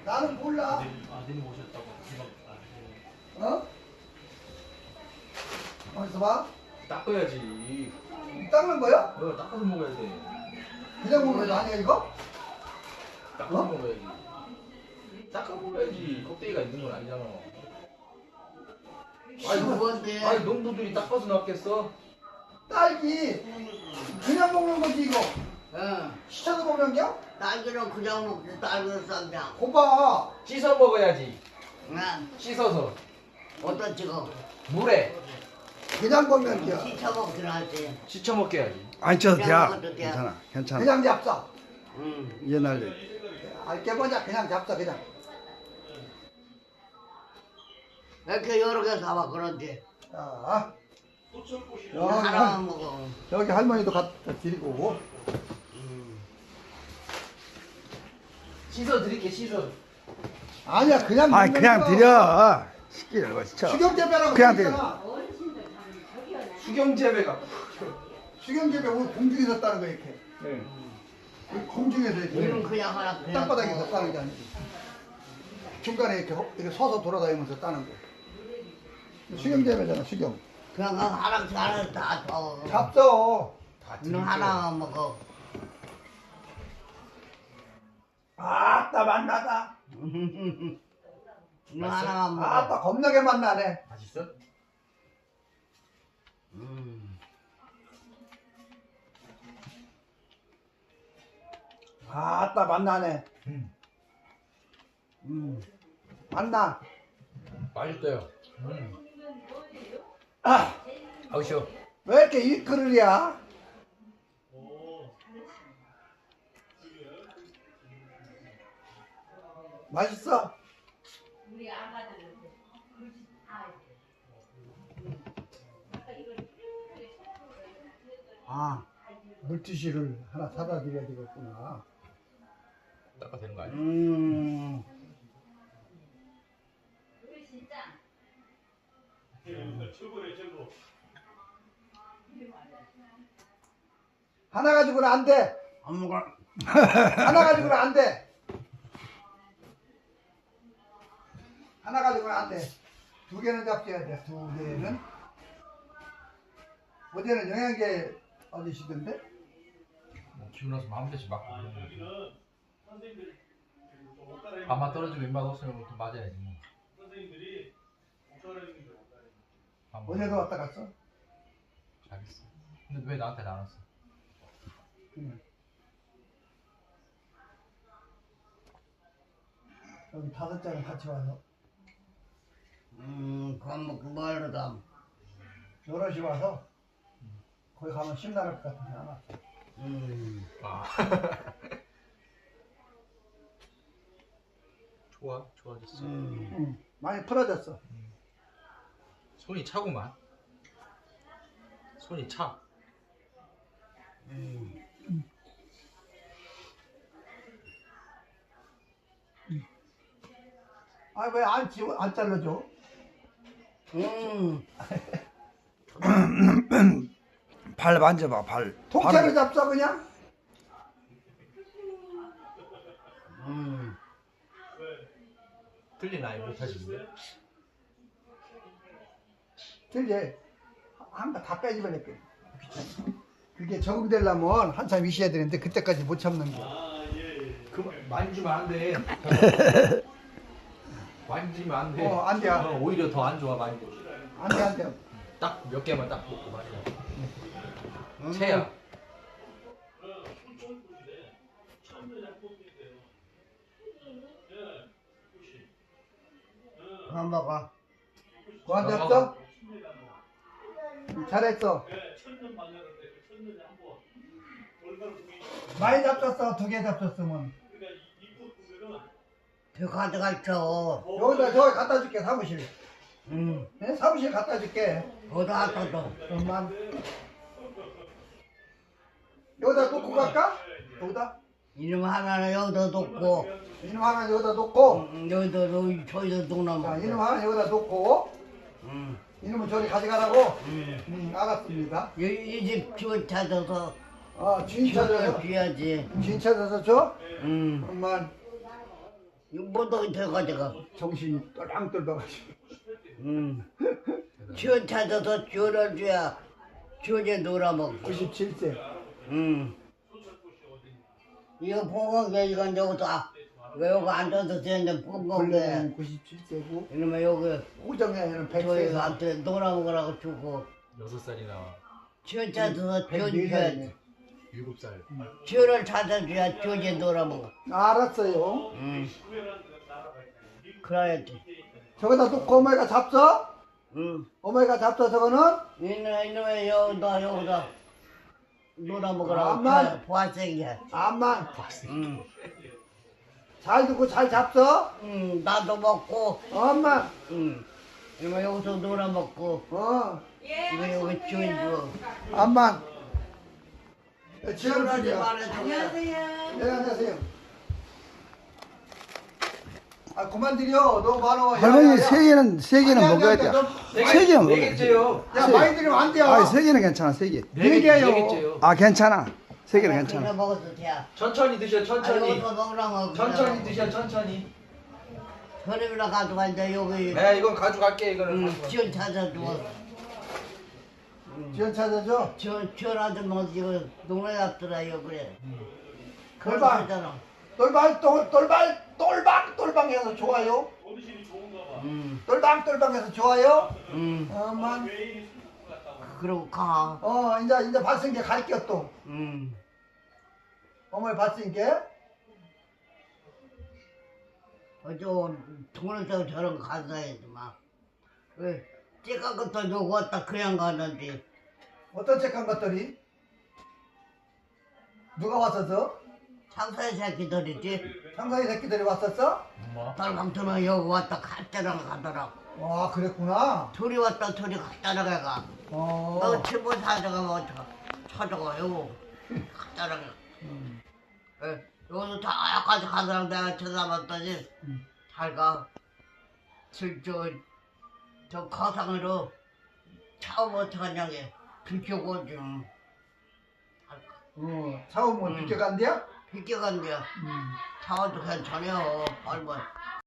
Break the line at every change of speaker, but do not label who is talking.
나는 몰라.
아드님 오셨다고 생각
어? 어디서 봐?
닦아야지.
닦는 거야?
너 닦아서 먹어야 돼.
그냥 먹는 거 아니야 이거?
닦아서
어?
먹어야지. 닦아 먹어야지. 껍데기가 있는 건 아니잖아.
뭔데?
아니 농부들이 닦아서 놨겠어?
딸기 그냥 먹는 거지 이거.
응.
시쳐서 먹는 게?
딸기는 그냥 먹지, 딸기는 쌈장.
고봐.
씻어 먹어야지.
응.
씻어서
어떤 찍어?
물에
그냥 먹는 게.
시쳐 먹긴 하지.
씻어 먹게 해야지.
안 쳐도
그냥
돼.
먹어도 돼.
괜찮아. 괜찮아.
그냥 잡사.
응.
옛날에.
알게 뭐냐 그냥 잡사 그냥.
왜 이렇게 여러 개 사와, 그런지.
자.
하나만 먹어.
여기 할머니도 갖다 드리고.
씻어 드릴게 씻어.
아니야 그냥
아니
먹는
그냥
거.
드려. 시키는 거 시켜.
수경재배라고
그냥
있잖아.
수경재배가.
수경재배 오늘 공중에서 따는 거 이렇게.
네.
공중에서
이건
이렇게
그냥 하나 그냥.
땅바닥에서
먹어.
따는 게 아니지. 중간에 이렇게 서서 돌아다니면서 따는 거. 수경재배잖아 수경.
그냥 하나씩 하나씩 다 줘.
잡숴.
너 하나만 먹어.
아따 맛나다.
너 하나만 먹어.
아따 겁나게 맛나네.
맛있어?
아따 맛나네. 맛나.
맛있어요.
아,
아우 쉬워.
왜 이렇게 이 그릇이야? 맛있어? 아, 물티슈를 하나 사다 드려야 되겠구나.
닦아 되는 거 아니야?
하나 가지고는 안 돼.
안 먹어.
하나 가지고는 안 돼. 하나 가지고는 안 돼. 두 개는 잡숴야 돼. 두 개는. 어제는 영양제 얻으시던데?
뭐 기분 나서 마음대로 막. 밥만 떨어지면 입맛 없으면 또 맞아야지 뭐. 밥 먹어.
어제도 왔다 갔어?
잘했어. 근데 왜 나한테 안 왔어?
여기 5장은 같이 와서
그럼 먹고 뭐하러 가?
여럿이 와서 거기 가면 심란할 것 같은데 안 왔어.
아. 좋아졌어.
많이 풀어졌어.
손이 차구만. 손이 차.
아 왜 안 잘라줘?
발 만져봐 발.
통째로 잡숴 그냥?
틀린 아이 못하시는데?
틀리 한가 다 빼집어냈게. 그게 적응되려면 한참 있어야 되는데 그때까지 못 참는 거.
그 만지면 안 돼. 만지면 안 돼.
안 돼.
오히려 더 안 좋아 많이.
안 돼, 안 돼.
딱 몇 개만 딱 먹고 말이야. 채야.
안 먹어.
그만 잡숴? 잘했어. 많이 잡혔어. 2개 잡혔으면.
저 가져갈 쳐.
여기다 저기 갖다 줄게 사무실.
응.
네? 사무실 갖다 줄게.
어디다 갖다
그만. 여기다 놓고 갈까? 여기다?
이름 하나는 여기다 놓고,
이놈 하나 여기다 놓고.
여기다 저기다 놓으면.
자, 이놈 하나 여기다 놓고. 이놈은 저리 가져가라고. 알았습니다.
이집 주인 찾아서
주인 찾아서.
줘야지.
주인 찾아서 줘?
응.
그만.
못하게 돼가지고.
정신이 똘망똘망하시고.
지원 찾아서 지원을 줘야 지원에 놀아먹고.
97세.
이거 보건게 이건 여기다 왜 여기 앉아서 되는데 보건게
원래는 97세고
이러면 여기
호정에는
저희
100세.
한테 놀아먹으라고 주고
6살이나
지원 찾아서 지원 줘야
104살이네.
7살.
지원을 찾아줘야 지원에 놀아먹어.
알았어요.
그래야지.
저기다 놓고 어머니가 잡숴? 어머니가 잡숴 저거는?
이놈의 여기다 놀아먹으라고
암만.
보아생이야.
암만. 잘 듣고 잘 잡숴?
나도 먹고
엄마.
이거 여기서 놀아먹고 이거 여기 지원 줘.
암만.
지원하지
지원하지
말아줘.
네, 안녕하세요. 아, 그만 드려. 너무 많아.
할머니 세 개는
아니,
먹어야
아니,
돼.
너-
세 개는 먹어야 돼.
개째요.
야, 많이 드리면 안 돼요.
아, 세 개는 괜찮아. 세 개.
네 개요.
개째요.
아, 괜찮아. 세 개는
그냥
괜찮아.
먹어도 돼.
천천히 드셔, 천천히.
여기서 먹으라고.
천천히 드셔, 천천히.
저렴이라 가져가 이제 여기
네, 이건 가져갈게, 이거는. 가져가.
지원 찾아줘.
지원 찾아줘.
지원 아줌마 이거 농에 잡더라요 그래.
돌발.
그러잖아.
똘방해서 좋아요. 똘방해서 좋아요. 엄만.
그러고 가.
이제 봤으니까 갈게요 또. 어머니 봤으니까.
저 돈을 쓰고 저런 거 가져야지 막. 왜 찌까 것도 요거 왔다 그냥 가는데.
어떤 책한 것들이? 누가 왔었어?
창사의 새끼들이지.
상사의 새끼들이 왔었어?
엄마.
딸방터는 여기 왔다 갔다랑 가더라고.
와, 그랬구나.
둘이 왔다 둘이 갔다랑 가. 너 친구 찾아가면 찾아가요. 갔다랑 가. 여기서 다 여기까지 가더라고 내가 쳐다봤더니 잘 가. 저 거상으로 처음 어떡하냐 게 비켜고 좀
차오면 비켜간대요?
비켜간대요. 차와도 괜찮아요. 얼마